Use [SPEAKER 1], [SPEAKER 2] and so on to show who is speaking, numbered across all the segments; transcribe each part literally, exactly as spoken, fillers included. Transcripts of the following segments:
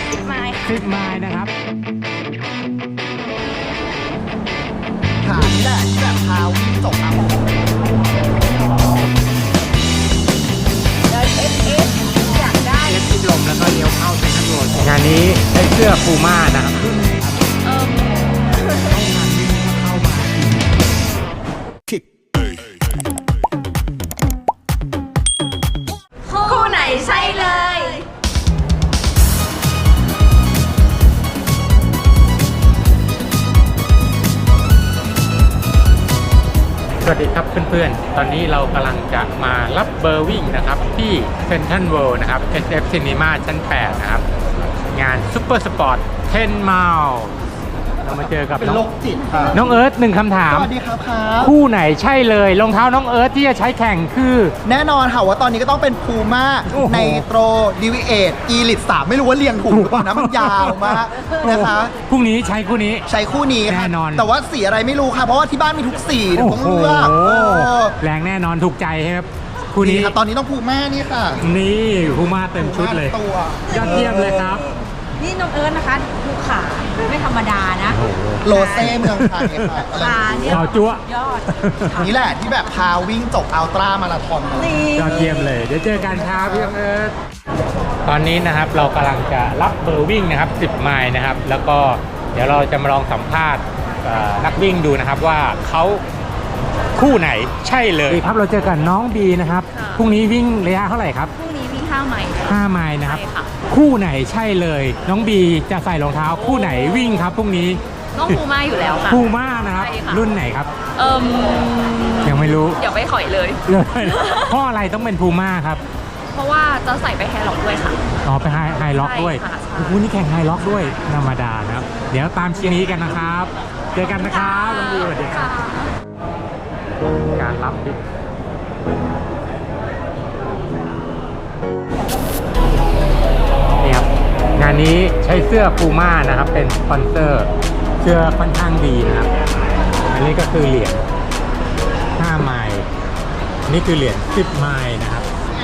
[SPEAKER 1] สิบไมล์
[SPEAKER 2] สิบไมล์นะครับ
[SPEAKER 3] ขานี่แหละที่แบบพาวิ่งจบเอา
[SPEAKER 1] อยากได้
[SPEAKER 2] เอฟทิมลมแล้วก็เลี้ยวเข้าเซ็นทรัลโรดงานนี้ใช้เสื้อพูม่านะครับ
[SPEAKER 1] เออคู่ไหนใช่เลย
[SPEAKER 2] สวัสดีครับเพื่อนๆ ตอนนี้เรากำลังจะมารับเบอร์วิ่งนะครับที่เซ็นทรัลเวิลด์นะครับ เอส เอฟ Cinema ชั้นแปดนะครับงานซุปเปอร์สปอร์ตเทนไมล์เรามาเจอกับ
[SPEAKER 3] เป็น
[SPEAKER 2] น้
[SPEAKER 3] โร
[SPEAKER 2] อง
[SPEAKER 3] คจิตครับ
[SPEAKER 2] น้องเอิร์ธหนึ่งคำถาม
[SPEAKER 3] สวัสดีครับครับ
[SPEAKER 2] คู่ไหนใช่เลยรองเท้าน้องเอิร์ธที่จะใช้แข่งคือ
[SPEAKER 3] แน่นอนค่ะว่าตอนนี้ก็ต้องเป็นพูม่า
[SPEAKER 2] โอ้โห
[SPEAKER 3] ในโตรดีวีเอทอีลิตสามไม่รู้ว่าเรียงถูกหรือเปล่านะมันยาวมากนะคะ
[SPEAKER 2] พรุ่งนี้ใช้คู่นี้
[SPEAKER 3] ใช้คู่นี้ค่ะ
[SPEAKER 2] แน่นอน
[SPEAKER 3] แต่ว่าสีอะไรไม่รู้ค่ะ เพราะว่าที่บ้านมีทุกสีเดี๋ยว
[SPEAKER 2] โอ้
[SPEAKER 3] ต้อง
[SPEAKER 2] โห
[SPEAKER 3] เลือกเออ
[SPEAKER 2] แรงแน่นอนถูกใจใช่ไหมครับคู่นี้
[SPEAKER 3] นี่ค่ะตอนนี้ต้องพูม่านี่ค่ะ
[SPEAKER 2] นี่พูม่าเต็มชุดเลย
[SPEAKER 3] ตัวย
[SPEAKER 2] อดเยี่ยมเลยครับ
[SPEAKER 1] นี่น้องเอิร์ธนะคะดูขาไม่ธรรมดานะ
[SPEAKER 2] โอ้โห
[SPEAKER 3] โรเซ่เมืองไทยค่ะอะไร
[SPEAKER 1] ขาเนี่ย
[SPEAKER 2] ข่าวจั๊ว
[SPEAKER 1] ยอด
[SPEAKER 3] นี่แหละที่แบบพาวิ่งจบอัลตร้ามาราธอนมา
[SPEAKER 1] นี่
[SPEAKER 2] ยอดเยี่ยมเลย เดี๋ยวเจอกันครับพี่เอิร์ธตอนนี้นะครับเรากำลังจะรับเบอร์วิ่งนะครับสิบไมล์นะครับ แล้วก็เดี๋ยวเราจะมาลองสัมภาษณ์เอ่อนักวิ่งดูนะครับว่าเขาคู่ไหนใช่เลยครับเราเจอกันน้องบีนะครับพรุ่งนี้วิ่งระยะเท่าไหร่ครับ
[SPEAKER 1] พรุ่งนี้วิ่งห้าไมล์ค่ะ
[SPEAKER 2] ห้าไมล์นะครับ
[SPEAKER 1] ใช่ค่ะ
[SPEAKER 2] คู่ไหนใช่เลย น้องบีจะใส่รองเท้าคู่ไหนวิ่งครับพรุ่งนี้
[SPEAKER 1] ต้องพูม่าอยู่แล้วค่ะ
[SPEAKER 2] พูม่านะครับ
[SPEAKER 1] ใช่ค่ะ
[SPEAKER 2] รุ่นไหนครับ
[SPEAKER 1] เอิ่ม
[SPEAKER 2] ยังไม่รู้
[SPEAKER 1] เดี๋ยวไปถอยเลย
[SPEAKER 2] เลยเพราะอะไรต้องเป็นพูม่าครับ
[SPEAKER 1] เพราะว่าจะใส่ไปแฮร์ล็อกด้วยค่ะ
[SPEAKER 2] อ๋อไปไฮไฮล็อกด้วย
[SPEAKER 1] ใช่ค่ะใช่
[SPEAKER 2] โอ้โหนี่แข่งไฮล็อกด้วยธรรมดานะครับ เดี๋ยวตามเชียร์นี้กันนะครับ เจอกันนะครับน้องบีสวัสดีครับการรับที่นี่ครับงานนี้ใช้เสื้อพูม่านะครับเป็นสปอนเซอร์เสื้อค่อนข้างดีนะครับ อันนี้ก็คือเหรียญห้าไมล์นี่คือเหรียญสิบไมล์นะครับ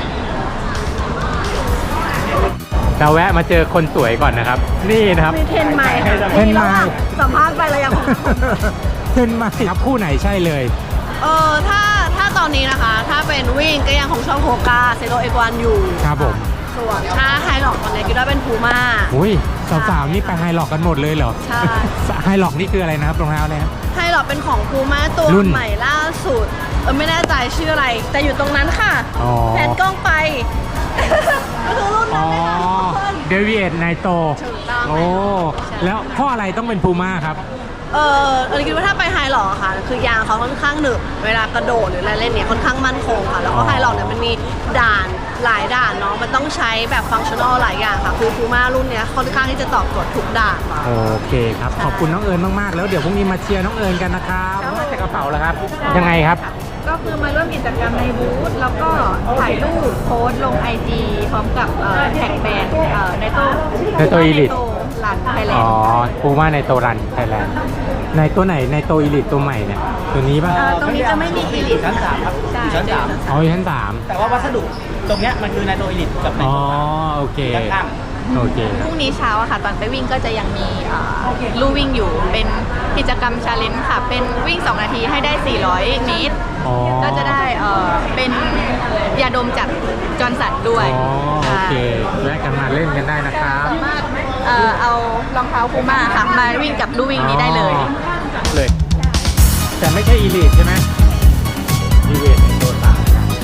[SPEAKER 2] เราแวะมาเจอคนสวยก่อนนะครับ นี่นะครับ
[SPEAKER 1] มีเทนไมล์ค่ะ
[SPEAKER 2] เทนไมล์
[SPEAKER 1] สัมภาษณ์ไปแล้วยัง
[SPEAKER 2] เทนไมล์ครับคู่ไหนใช่เลย
[SPEAKER 4] เออถ้าถ้าตอนนี้นะคะ ถ้าเป็นวิ่งก็ยังของช่องโฮกาเซโรเอกวันอยู่
[SPEAKER 2] ครับผม
[SPEAKER 4] ส่วนถ้าไฮล็อกตอนนี้ก็ได้เป็นพูม่า
[SPEAKER 2] อุ้ยสาวๆนี่ไปไฮล็อกกันหมดเลยเหรอ
[SPEAKER 4] ใช่
[SPEAKER 2] ไฮล็อกนี่คืออะไรนะครับรองเท้าอะไรครับ
[SPEAKER 4] ไฮล็อกเป็นของพูม่าตัว
[SPEAKER 2] รุ่น
[SPEAKER 4] ใหม่ล่าสุดเออไม่แน่ใจชื่ออะไร แต่อยู่ตรงนั้นค่ะ
[SPEAKER 2] อ๋อ
[SPEAKER 4] แผนกล้องไป ก็คือรุ่น
[SPEAKER 2] อ๋
[SPEAKER 4] นั้
[SPEAKER 2] อน
[SPEAKER 4] เลยค่ะทุกคน
[SPEAKER 2] เดวิเอทไนโต
[SPEAKER 4] ถูกต้อง
[SPEAKER 2] โอ้แล้วเพราะอะไรต้องเป็นพูม่าครับ
[SPEAKER 4] เออเราคิดว่าถ้าไปไฮล็อกอะค่ะ คือยางเขาค่อนข้างหนึบเวลากระโดดหรืออะไรเล่นเนี่ยค่อนข้างมั่นคงค่ะ แล้วก็ไฮล็อกเนี่ยมันมีด่านหลายด่านเนาะมันต้องใช้แบบฟังชั่นอลหลายอย่างค่ะคือพูม่ารุ่นเนี้ยค่อนข้างที่จะตอบโจทย์ทุกด่านค่ะ
[SPEAKER 2] โอเคครับ ขอบคุณน้องเอิญมากๆ แล้วเดี๋ยวพรุ่งนี้มาเชียร์น้องเอิญกันนะครับมาจากกระเป๋าแล้วครับ ยังไงครับ
[SPEAKER 1] ก็คือมาร่วมกิจกรรมในบูธแล้วก็ถ่ายรูปโพสต์ลงไอจีพร้อมกับเอ่อแท็กแบรนด์เอ่อในโต้
[SPEAKER 2] ในโต้ Elite
[SPEAKER 1] หลันไทยแลน
[SPEAKER 2] อ๋อ
[SPEAKER 1] ด์
[SPEAKER 2] พูม่าในโตรันไทยแลนด์ในตัวไหนในโตอีลิตตัวใหม่เนี่ยตัวนี้ป่ะ
[SPEAKER 1] เอ่อตรงนี้จะไม่มีอีลิท
[SPEAKER 5] ชั้นสามครับ
[SPEAKER 1] ใช่
[SPEAKER 5] อยู่ชั้นสาม
[SPEAKER 2] อ๋ออยู่ชั้นสาม
[SPEAKER 5] แต่ว่าวัสดุตรงเนี้ยมันคือไนโตรอิลิทกับไน
[SPEAKER 2] อ๋อ
[SPEAKER 5] โตร
[SPEAKER 2] โอเค
[SPEAKER 5] ด้านข้าง
[SPEAKER 2] โอเคค
[SPEAKER 1] พ
[SPEAKER 2] รับ
[SPEAKER 1] รุ่งนี้เช้าอะค่ะ ตอนไปวิ่งก็จะยังมีเอ่อลู่วิ่งอยู่เป็นกิจกรรมชาเลนจ์ค่ะ เป็นวิ่งสองนาทีให้ได้สี่ร้อยเมตร
[SPEAKER 2] อ๋อ
[SPEAKER 1] ก็จะได้เอ่อเป็นยาดมจากจอร์นสันด้วย
[SPEAKER 2] อ๋อโอเค
[SPEAKER 1] ค่ะ
[SPEAKER 2] แวะกันมาเล่นกันได้นะครับ
[SPEAKER 1] สามารถเอ่อเอารองเท้าพูม่าค่ะ มาวิ่งกับลู่วิ่งนี้ได้เลย
[SPEAKER 2] อ๋อเลย แต่ไม่ใช่อีลิทใช่ไหมอีลิทในตัวสาม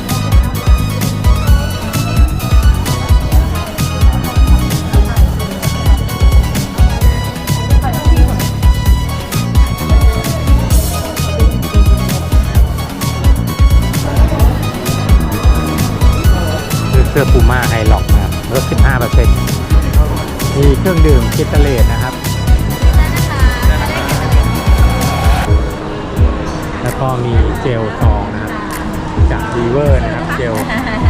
[SPEAKER 2] คือเสื้อพูม่าไฮล็อกนะครับลด สิบห้าเปอร์เซ็นต์ มีเครื่องดื่มคิตาเลตนะครับ แล้วก็มีเจลซองนะครับจากดีเวอร์นะครับเจล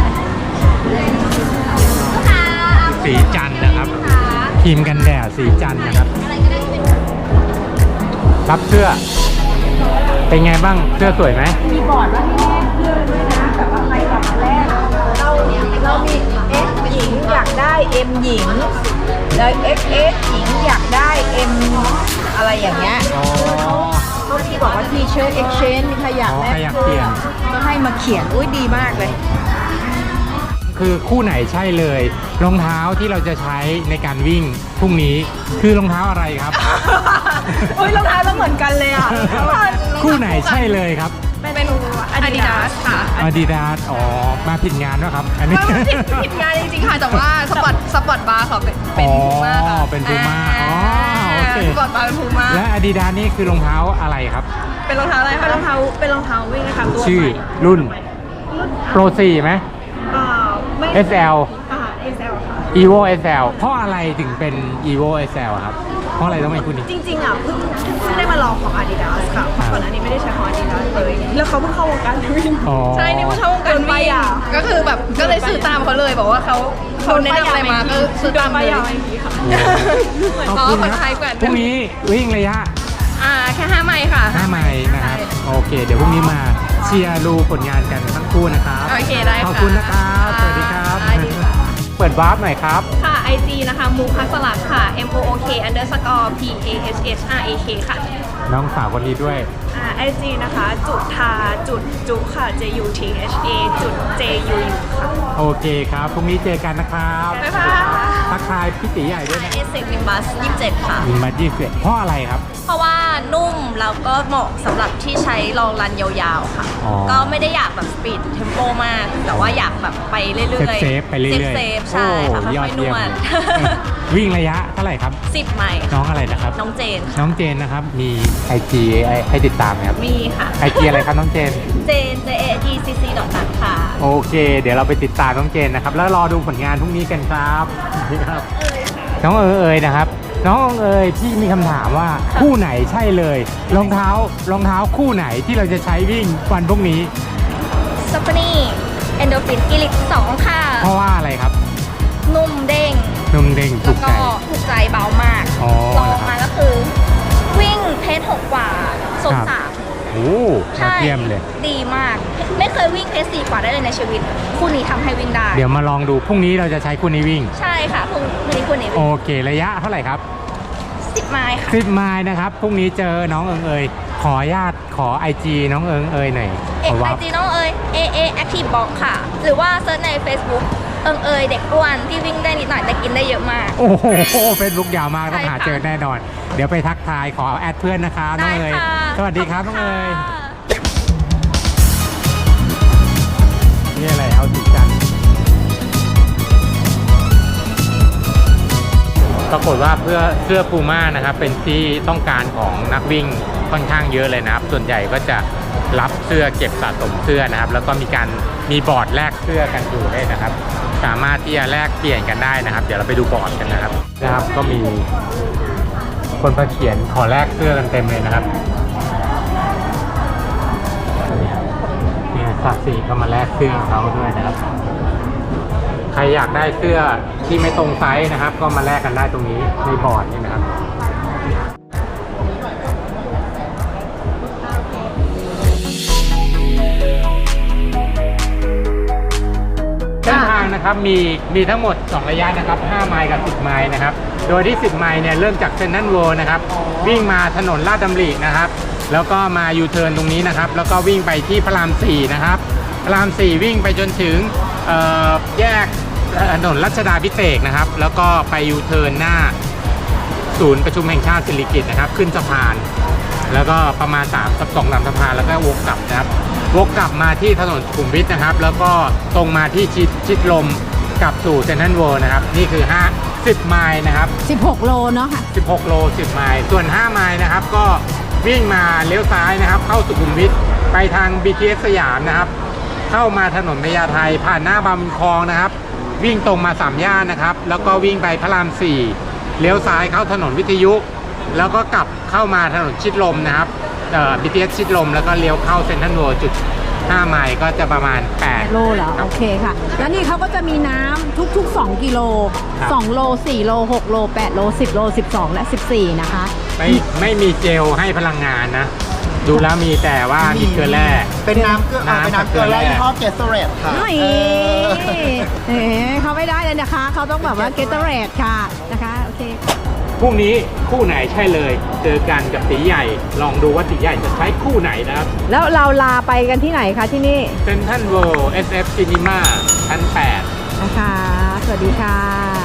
[SPEAKER 2] สีจันทร์นะครับครีมกันแดดสีจันทร์นะครับรับเสื้อเป็นไงบ้างเสื้อสวยไหม
[SPEAKER 1] มีบอร์ดว่าให้แลกเสื้อด้วยนะแบบว่าใครก่อนแรกเราเรามีเอสหญิงอยากได้เอ็มหญิง แ
[SPEAKER 6] แล้ว เอ็กซ์ เอ็กซ์ หญิงอยากได้ M อะไรอย่างเงี้ย
[SPEAKER 2] อ๋อ
[SPEAKER 6] เขาที่บอกว่าทีเชิร์ต exchange มีใครอยาก
[SPEAKER 2] อ๋อ
[SPEAKER 6] แล
[SPEAKER 2] ใคร
[SPEAKER 6] ก
[SPEAKER 2] อยาก
[SPEAKER 6] เสื้
[SPEAKER 2] เปลี่
[SPEAKER 6] อย
[SPEAKER 2] น
[SPEAKER 6] ก็ให้มาเขียน อุ้ยดีมากเลย
[SPEAKER 2] คือคู่ไหนใช่เลย รองเท้าที่เราจะใช้ในการวิ่งพรุ่งนี้คือรองเท้าอะไรครับ
[SPEAKER 6] อุ้ยรองเท้าเราเหมือนกันเลยอ่ะ
[SPEAKER 2] คู่ไหนใช่เลยครับ
[SPEAKER 1] เป็นอาดิดาสค่ะ
[SPEAKER 2] Adidas อ๋อมาผิดงานด้วยครับ อันนี้
[SPEAKER 1] ไม่ผิดผิดงานจริงๆค่ะแต่ว่าสปอร์ตสปอร์ตบาร์เขาเป็นเป็นพูม่าค่ะ
[SPEAKER 2] อ๋อเป็น Puma อ๋อโอเค
[SPEAKER 1] สปอร์ตบาร์เป็นพูม่า
[SPEAKER 2] และ Adidas นี่คือรองเท้าอะไรครับ
[SPEAKER 1] เป็นรองเท้าอะไร
[SPEAKER 6] เป็น
[SPEAKER 1] คะ
[SPEAKER 6] รองเท้าเป็นรองเท้าวิ่งนะคะตัว
[SPEAKER 2] ชื่อ
[SPEAKER 6] ใหม่
[SPEAKER 2] รุ่น Pro สี่ไหม
[SPEAKER 6] อ่าไม่
[SPEAKER 2] เอส แอล
[SPEAKER 6] อ่า เอส แอล ค่ะ
[SPEAKER 2] Evo เอส แอล เพราะอะไรถึงเป็น Evo เอส แอล ครับ เพราะอะไรต้องเป็นคู่นี้
[SPEAKER 6] จริงๆอ่ะเพิ่งเพิ่งได้มาลองของ Adidas ค่ะเพราะก่อนหน้านี้ไม่ได้ใช้ของ Adidas เลย แล้วเขาเพิ่งเข้าวงการวิ่ง
[SPEAKER 2] อ๋อ
[SPEAKER 1] ใช่นี่เพิ่งเข้าวงการ
[SPEAKER 6] โดนป้าย
[SPEAKER 1] วิ่ง
[SPEAKER 6] ยา
[SPEAKER 1] ก็คือแบบก็เลยซื้อตามเขาเลยบอกว่าเขาเขาแนะนำอะไรมาก็ซื้อตามเลย
[SPEAKER 2] ขอบ
[SPEAKER 1] อ๋อ
[SPEAKER 2] คุณ
[SPEAKER 1] คน
[SPEAKER 2] ค
[SPEAKER 1] ไท
[SPEAKER 2] รับ
[SPEAKER 1] ยกว่า
[SPEAKER 2] พรุ่งนี้วิ่งระยะ
[SPEAKER 1] อ่าแค่ห้าไมล์ค่ะ
[SPEAKER 2] ห้าไมล์นะครับ โอเค เดี๋ยวพรุ่งนี้มาเชียร์ดูผลงานกันทั้งคู่นะครับ
[SPEAKER 1] โอเคได้ค่ะ
[SPEAKER 2] ขอบคุณนะครับ สวัสดีครับ
[SPEAKER 1] ได้ดีค่ะ
[SPEAKER 2] เปิดวาร์ปหน่อยครับ
[SPEAKER 1] ค่ะ ไอ จี นะคะมูคัสลักค่ะ M O O K underscore P A H H R A K ค่ะ
[SPEAKER 2] น้องสาวคนนี้ด้วย
[SPEAKER 6] อ่า ไอ จี นะคะ จุดทาจุดจุค่ะ J U T H A จุด J U U ค่ะ
[SPEAKER 2] โอเคครับ พรุ่งนี้เจอกันนะครับ
[SPEAKER 1] บ๊ายบาย
[SPEAKER 2] ทักทายพี่ตีใหญ่ด้วยนะ
[SPEAKER 1] เอสเซกวิมบัสยี่สิบเจ็ดค่ะ
[SPEAKER 2] ยิงมายี่สิบเพราะอะไรครับ
[SPEAKER 1] เพราะว่านุ่มแล้วก็เหมาะสำหรับที่ใช้ลองรันยาวๆค่ะ
[SPEAKER 2] อ๋อ
[SPEAKER 1] ก็ไม่ได้อยากแบบสปีดเทมโปมาก แต่ว่าอยากแบบไปเรื่อยๆ
[SPEAKER 2] เซฟๆไปเรื่อยๆ
[SPEAKER 1] เซฟๆใช่ค่ะ
[SPEAKER 2] โอ้ยอ
[SPEAKER 1] ค่
[SPEAKER 2] ด
[SPEAKER 1] อยๆน
[SPEAKER 2] เยี่ยม
[SPEAKER 1] วด
[SPEAKER 2] วิ่งระยะเท่าไหร่ครับ
[SPEAKER 1] สิบไมล์
[SPEAKER 2] น้องอะไรนะครับ
[SPEAKER 1] น้องเจนค่ะ
[SPEAKER 2] น้องเจนนะครับ มี ไอ จี ให้ติดตามไหมครับ
[SPEAKER 1] มีค่ะ
[SPEAKER 2] ไอ จี อะไรครับน้องเจน
[SPEAKER 1] เจน J A T C C ดอทนัทค่ะ
[SPEAKER 2] โอเค เดี๋ยวเราไปติดตามน้องเจนนะครับ แล้วรอดูผลงานพรุ่งนี้กันครับนี่ครับ น้องเอ๋ยเอ๋ยนะครับ น้องเอ๋ยพี่มีคำถามว่าคู่ไหนใช่เลย รองเท้ารองเท้าคู่ไหนที่เราจะใช้วิ่งวันพรุ่งนี้
[SPEAKER 1] ซัฟฟานี่เอนโดฟินอีลิกสองค่ะ
[SPEAKER 2] เพราะว่าอะไรครับ
[SPEAKER 1] นุ่มเด้ง
[SPEAKER 2] นุ่มเด้งถู
[SPEAKER 1] แล้ว
[SPEAKER 2] กใจ
[SPEAKER 1] ก็ถูกใจเบามาก
[SPEAKER 2] อ๋อ
[SPEAKER 1] ลองมาก็คือ วิ่งเพจหกกว่าโซน
[SPEAKER 2] ครับ
[SPEAKER 1] สาม
[SPEAKER 2] โอ้ยอ
[SPEAKER 1] ใช่
[SPEAKER 2] ดเยี่ยมเลย
[SPEAKER 1] ดีมาก ไม่เคยวิ่งเพจสี่กว่าได้เลยในชีวิต คู่นี้ทำให้วิ่งได้
[SPEAKER 2] เดี๋ยวมาลองดูพรุ่งนี้เราจะใช้คู่นี้วิ่ง
[SPEAKER 1] ใช่ค่ะคู่นี้คู่นี้
[SPEAKER 2] โอ
[SPEAKER 1] วิ่ง
[SPEAKER 2] เค ระยะเท่าไหร่ครับ
[SPEAKER 1] สิบไมล์ค่ะ
[SPEAKER 2] สิบไมล์นะครับ พรุ่งนี้เจอน้องเอิงเอยขออนุญาตขอ ไอ จี น้องเอิงเอยหน่อย
[SPEAKER 1] เอ
[SPEAKER 2] ขอ
[SPEAKER 1] ไอ
[SPEAKER 2] วับ
[SPEAKER 1] จีน้องเอ๋ย A A Active Box ค่ะ หรือว่าเซิร์ชใน Facebook เอิงเอ๋ยเด็กอ้วนที่วิ่งได้นิดหน่อยแต่กินได้เยอะมาก
[SPEAKER 2] โอ้โหเฟซบุ๊กยาวมากต้อง
[SPEAKER 1] ใช่
[SPEAKER 2] หา
[SPEAKER 1] ค่ะ
[SPEAKER 2] เจอแน่นอน เดี๋ยวไปทักทายขอแอดเพื่อนนะคะน้องเอย
[SPEAKER 1] ได้ค่ะ
[SPEAKER 2] สวัสดีครับน้องเอย
[SPEAKER 1] ขบคุณค่ะ
[SPEAKER 2] นี่อะไรเอาติดกันปรากฏว่าเพื่อเสื้อพูม่านะครับ เป็นที่ต้องการของนักวิ่งค่อนข้างเยอะเลยนะครับ ส่วนใหญ่ก็จะรับเสื้อเก็บสะสมเสื้อนะครับ แล้วก็มีการมีบอร์ดแลกเสื้อกันอยู่ด้วยนะครับ สามารถที่จะแลกเปลี่ยนกันได้นะครับ เดี๋ยวเราไปดูบอร์ดกันนะครับนะครับก็มีคนมาเขียนขอแลกเสื้อกันเต็มเลยนะครับเนี่ยสักสีก็มาแลกเสื้อของเขาด้วยนะครับ ใครอยากได้เสื้อที่ไม่ตรงไซส์นะครับ ก็มาแลกกันได้ตรงนี้ในบอร์ดนี่นะครับเส้นทางนะครับมีมีทั้งหมดสองระยะนะครับห้าไมล์กับสิบไมล์นะครับ โดยที่สิบไมล์เนี่ยเริ่มจากเซนทรัลเวิลด์นะครับวิ่งมาถนนลาดดำรินะครับ แล้วก็มายูเทิร์นตรงนี้นะครับ แล้วก็วิ่งไปที่พระรามสี่นะครับพระรามสี่วิ่งไปจนถึงเอ่อแยกถนนรัชดาภิเษกนะครับ แล้วก็ไปยูเทิร์นหน้าศูนย์ประชุมแห่งชาติสิริกิติ์นะครับขึ้นสะพาน แล้วก็ประมาณสามสักสองลำสะพานแล้วก็วกกลับนะครับวกกลับมาที่ถนนสุขุมวิทนะครับ แล้วก็ตรงมาที่ชิดชิดลมกลับสู่เซ็นทรัลเวิลด์นะครับนี่คือห้า สิบไมล์นะครับ
[SPEAKER 6] สิบหกโลเนาะค่ะ
[SPEAKER 2] สิบหกโลสิบไมล์ส่วนห้าไมล์นะครับก็วิ่งมาเลี้ยวซ้ายนะครับ เข้าสุขุมวิทไปทาง บี ที เอส สยามนะครับ เข้ามาถนนพญาไทผ่านหน้าบางบุญคลองนะครับ วิ่งตรงมาสามย่านนะครับ แล้วก็วิ่งไปพระรามสี่เลี้ยวซ้ายเข้าถนนวิทยุ แล้วก็กลับเข้ามาถนนชิดลมนะครับเอ่อ บี ที เอส ชิดลมแล้วก็เลี้ยวเข้าเซ็นทรัลเวิลด์จุดห้าไมล์ก็จะประมาณแปด
[SPEAKER 6] โลเหรอโอเคค่ะ แล้วนี่เขาก็จะมีน้ำทุกๆ สองกิโล
[SPEAKER 2] ครับ
[SPEAKER 6] สองโลสี่โลหกโลแปดโลสิบโลสิบสองและสิบสี่นะคะ
[SPEAKER 2] ไม่ไม่มีเจลให้พลังงานนะ ดูแล้วมีแต่ว่ามีเกลือแร่
[SPEAKER 3] เป็นน้ำเกลือเอาเป็นน้ำเกลือแร่ยี่ห้อเกสเรตค่ะ
[SPEAKER 6] นี่
[SPEAKER 3] เออ
[SPEAKER 6] เอ๋เขาไม่ได้เลยนะคะ เขาต้องแบบว่าเกตเตอร์เรดค่ะนะคะ โอเค
[SPEAKER 2] พรุ่งนี้คู่ไหนใช่เลย เจอกันกับตีใหญ่ ลองดูว่าตีใหญ่จะใช้คู่ไหนนะครับ
[SPEAKER 7] แล้วเราลาไปกันที่ไหนคะที่นี่
[SPEAKER 2] เซ็นทรัลเวิลด์ เอส เอฟ Cinema ชั้นแปด
[SPEAKER 7] นะคะ สวัสดีค่ะ